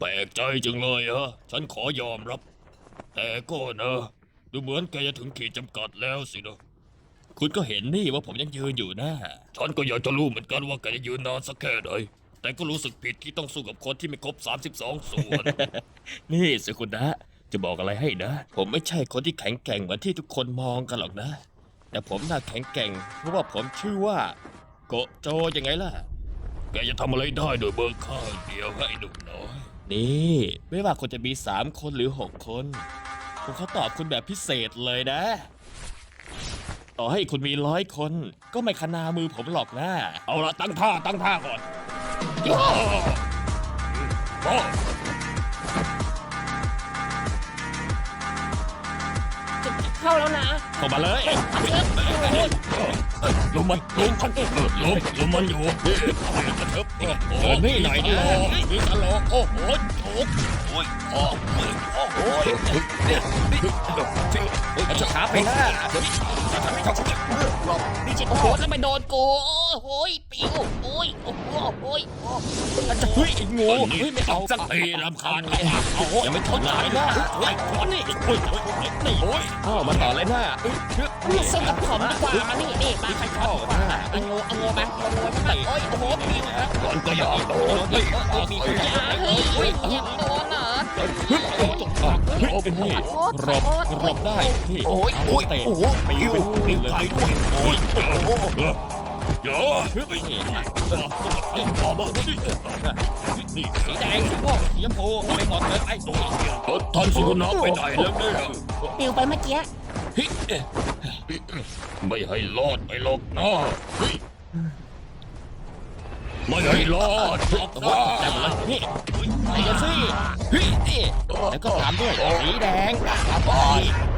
ลกใจจังเลยฮะฉันขอยอมรับแต่ก็นะดูเหมือนแกจะถึงขีดจำกัดแล้วสินะคุณก็เห็นนี่ว่าผมยังยืนอยู่นะฉันก็อยากจะรู้เหมือนกันว่าแกจะยืนนานสักแค่ไหนแต่ก็รู้สึกผิดที่ต้องสู้กับคนที่ไม่ครบ32ส่วน นี่สุคุณนะจะบอกอะไรให้นะ ผมไม่ใช่คนที่แข็งแกร่งเหมือนที่ทุกคนมองกันหรอกนะ แต่ผมน่าแข็งแกร่งเพราะว่าผมชื่อว่าโกโจยังไงล่ะ แกจะทำอะไรได้โดยเบิกข้างเดียวให้หนุ่มน้อยนี่ไม่ว่าคนจะมี3 คนหรือ6 คนผมเขาตอบคุณแบบพิเศษเลยนะ ต่อให้คุณมี100 คนก็ไม่ขนามือผมหรอกนะเอาละตั้งท่าก่อนย่าโอ้เข้าแล้วนะเข้ามาเลยลุมมันอยู่กระเทิบนี่หน่อยดินี่ตลกโอ้โหโอ้ยโอ้ยจะขาไปหน้านี่จิตโอ้โหแล้วไปโดนกูโอ้ยปิวโอ้ยโอ้โหโอ้ยจะเฮ้ยงูเฮ้ยไม่เอาสักทีรำคาญยังไม่ทนไหนนะเฮ้ยนี่โอ้ยนี่โอ้ยมาต่อเลยนะนี่สู้กับผมดีกว่ามานี่มาใครเข้าเอางูมาโอ้ยโอ้โหปิวครับก่อนก็อยากโดนเฮ้ยเฮ้ยยังโดนเหรอโอ้เป็นนี่รบได้ที่เตะปิวเลยโอ้ยอย่าต่อมานี่สีแดงสีม่วงสีชมพูไปหมดเลยไอ้ท่านสุนัขไปไหนแล้วเนี่ยปิวไปเมื่อกี้ไม่ให้รอดไปหรอกนะไม่ให้รอดหรอกนะนี่ไอ้เจ้าซี่นี่แล้วก็ตามด้วยสีแดง